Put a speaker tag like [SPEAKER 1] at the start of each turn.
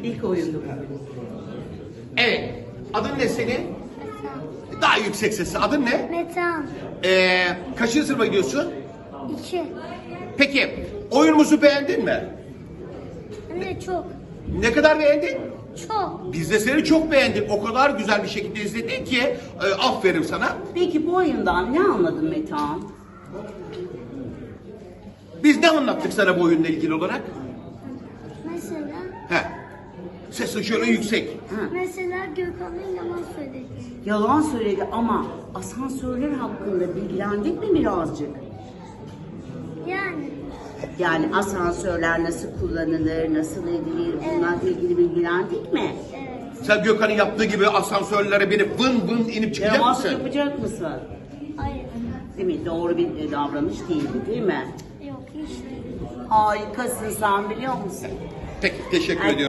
[SPEAKER 1] İlk oyundu bu.
[SPEAKER 2] Evet. Adın ne senin? Daha yüksek sesli. Adın ne?
[SPEAKER 3] Metan.
[SPEAKER 2] Kaçıncı sınıfa gidiyorsun?
[SPEAKER 3] 2.
[SPEAKER 2] Peki oyunumuzu beğendin mi?
[SPEAKER 3] Anne çok.
[SPEAKER 2] Ne kadar beğendin?
[SPEAKER 3] Çok.
[SPEAKER 2] Biz de seni çok beğendik. O kadar güzel bir şekilde izledin ki aferin sana.
[SPEAKER 1] Peki bu oyundan ne anladın Metehan?
[SPEAKER 2] Biz ne anlattık sana bu oyunla ilgili olarak?
[SPEAKER 3] Mesela
[SPEAKER 2] He. Sesin şöyle yüksek.
[SPEAKER 3] mesela Gökhan'ın yalan söyledi.
[SPEAKER 1] Yalan söyledi ama asansörler hakkında bilgilendik mi birazcık?
[SPEAKER 3] Yani
[SPEAKER 1] Yani asansörler nasıl kullanılır, nasıl edilir, bunlarla ilgili bilgilendik mi?
[SPEAKER 3] evet.
[SPEAKER 2] Sen Gökhan'ın yaptığı gibi asansörlere binip vın vın inip çıkacak
[SPEAKER 1] Yalan
[SPEAKER 2] mısın?
[SPEAKER 1] yapacak mısın?
[SPEAKER 3] Hayır.
[SPEAKER 1] Değil mi? Doğru bir davranış değildi değil mi?
[SPEAKER 3] Yok hiç değil.
[SPEAKER 1] Harikasın sen biliyor musun?
[SPEAKER 2] Peki teşekkür
[SPEAKER 1] Ay-
[SPEAKER 2] ediyorum.